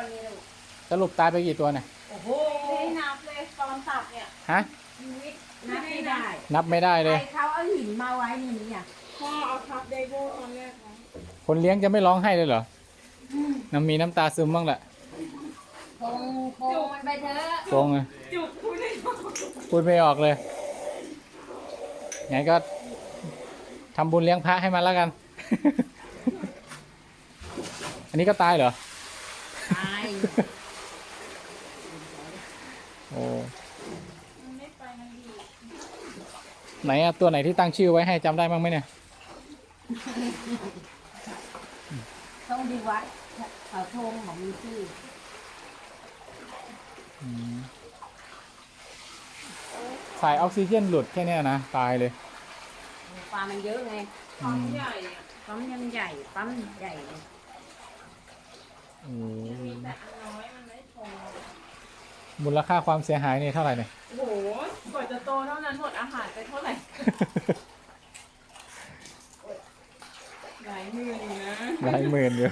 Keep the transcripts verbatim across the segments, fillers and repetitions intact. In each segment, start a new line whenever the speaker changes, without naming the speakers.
นี้ลูก
สรุปตายไปกี่ตัวเนี่ย
โอ้โหไม่นับเลยตอนตัดเนี่ย
ฮะ
ชีวิตนับไม่ได้
นับไม่ได้เลย
ใครเขาเอาหินมาไว้ในนี้อ่ะ
พ่อเอาทับไดโบตอนแรกนะ
คนเลี้ยงจะไม่ร้องไห้เลยเหรอน้ำมีน้ำตาซึมบ้างแหละ
คงคงมันไปเถอะ
คงอะ
จุกพูดได้หรอ
พูดไม่ออกเลยไงก็ทำบุญเลี้ยงพระให้มันแล้วกัน อันนี้ก็ตายเหรอ
ตาย
โอ้
มันไม่ไปมันอยู่
ไหนอะตัวไหนที่ตั้งชื่อไว้ให้จำได้บ้างไหมเนี่ย
ต้องดีวัดเขาทงของมีชื่อ
สายออกซิเจนหลุดแค่นี้นะตายเลย
ปลามันเยอะไง
ปั๊มใหญ่อะ
ปั๊มยังใหญ่ปั๊มใหญ่เลย
ยังมีแต่อันน้อยมันไม่พอ
มูลค่าความเสียหายนี่เท่าไหร่เนี่ย
โอ้โหกว่าจะโตเท่านั้นหมดอาหารไปเท่าไหร่หลายหมื่นอยู่นะ
หลายหมื่นอยู่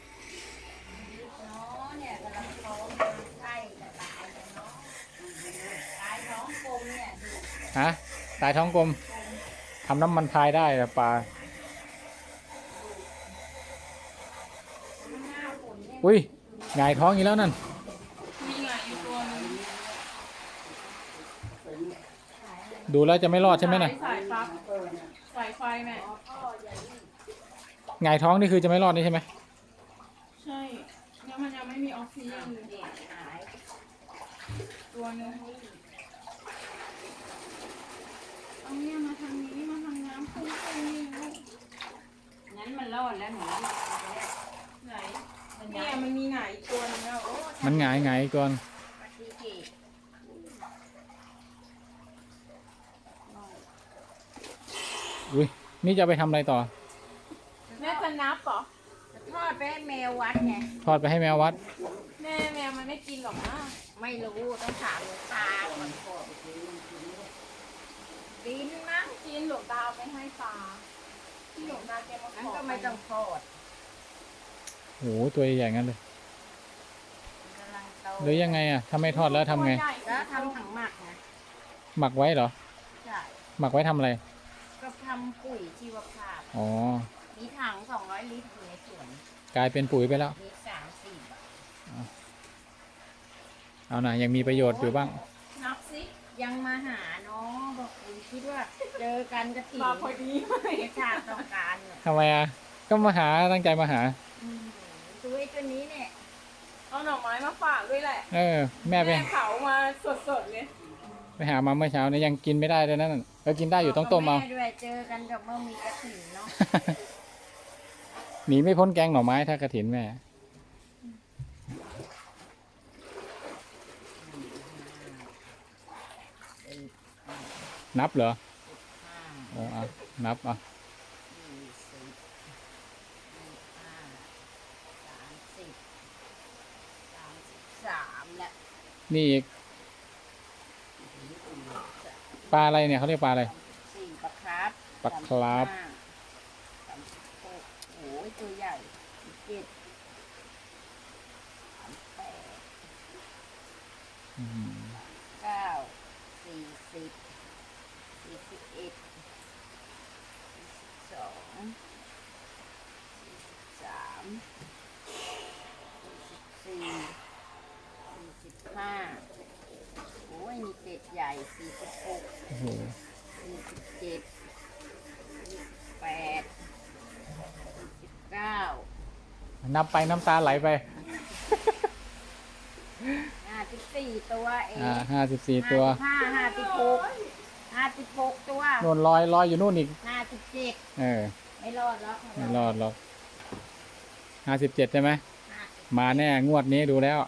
เนี่ยกำลังท้องใกล้จะตายแล้วเนาะตายท้องกลมเนี่ย
ฮะตายท้องกลมทำน้ำมันพายได้แต่ปลาอุ้ยหงายท้องอีกแล้วนั่น
มีหงายอยู่ตัวนึง
ดูแล้วจะไม่รอดใช่ไหมน่ะ
สายปลั๊กสายไฟแม่
หงายท้องนี่คือจะไม่รอดนี่ใช่ไหม
ใช่แล้วมันยังไม่มีออกซิเจนเลยตัวนึงเอาเนี่ยมาทางนี้มาทางน้ำพุ่งไปนี่ลูก
งั้นมันรอดแล้วหนู
ไหนเนี่ยมันมีหงายอีกตัวนึงแล้ว
มันหงายหงายก่อนอุ้ยนี่จะไปทำอะไรต่อ
แม่จะนับเหรอ
ทอดไปให้แมววัดไง
ทอดไปให้แมววัด
แม่แมวมันไม่กินหรอกนะ
ไม่รู้ต้องถามหลวงตาก่อนกินมั้ง
กินหลวงตาไม่ให้ปลาที่หลวงตาแกมาขอ
งั้นก็ไม่ต้องทอด
โอ้โหตัวใหญ่งั้นเลยหรือยังไงอ่ะถ้าไม่ทอดแล้วทำไง
แล้วทำถังหมักไง
หมักไว้เหรอ
ใช่
หมักไว้ทำอะไร
ก็ทำปุ๋ยชีวภาพ
อ๋อ
มีถังสองร้อยลิตรอยู่ในสวน
กลายเป็นปุ๋ยไปแล้ว
มีสามสี่บาท
เอาหน่ะยังมีประโยชน์อยู่บ้าง
นับสิ
ยังมาหาน้องบอกคุณคิดว่าเจอกันกะถิ่น
มาพอดี
ไม่ชาติต้องการเนี่ย
ทำไมอ่ะก็มาหาตั้งใจมาหา
ตัวไอ้ตัวนี้เนี่ย
เอาหน่อไม้มาฝากด้วยแหละ
เออแม่ไป
เผามาสดๆเลย
ไปหามาเมื่อเช้าเนี่ยยังกินไม่ได้เลยนั่นก็กินได้อยู่ต้องต้มเอา
ด้วยเจอกันกับเมื่อมีกระถิ่นเนาะ
หนีไม่พ้นแกงหน่อไม้ถ้ากระถินแม่นับเหรอโอ้อ่ะนับอ่ะนี่อีกปลาอะไรเนี่ยเขาเรียกปลาอะไร
สี่ปลาครับ
ปลาครับ
โอ้ยตัวใหญ่เจ็ดแปดเก้าสี่สิบสี่สิบเอ็ดสองสามสี่สี่สิบห้าโอ้ยนี่เป็ดใหญ่สี่สิบหกสี่สิบเจ็ดสี่สิบแปดสี่สิบเก้า
นับไปน้ำตาไหลไป
ห้าสิบสี่ตัวเอง
อ่าห้าสิบสี่ตัว
ห้าห้าสิบหกห้าสิบหกตัว
โน่นลอยลอยอยู่นู่นอีก
ห้าสิบเจ็ด
เออ
ไม่รอดแล้ว
ไม่รอดหรอกห้าสิบเจ็ดใช่ไหมมาแน่งวดนี้ดูแล้ว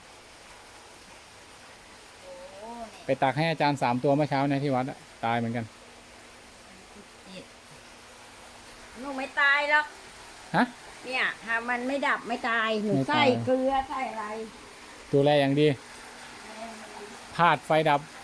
ไปตักให้อาจารย์สามตัวเมื่อเช้าในที่วัดตายเหมือนกัน
หนูไม่ตายหรอก
ฮะ
เนี่ยถ้ามันไม่ดับไม่ตายหนูใส่เกลือใส่อะไร
ดูแลอย่างดีพลาดไฟดับ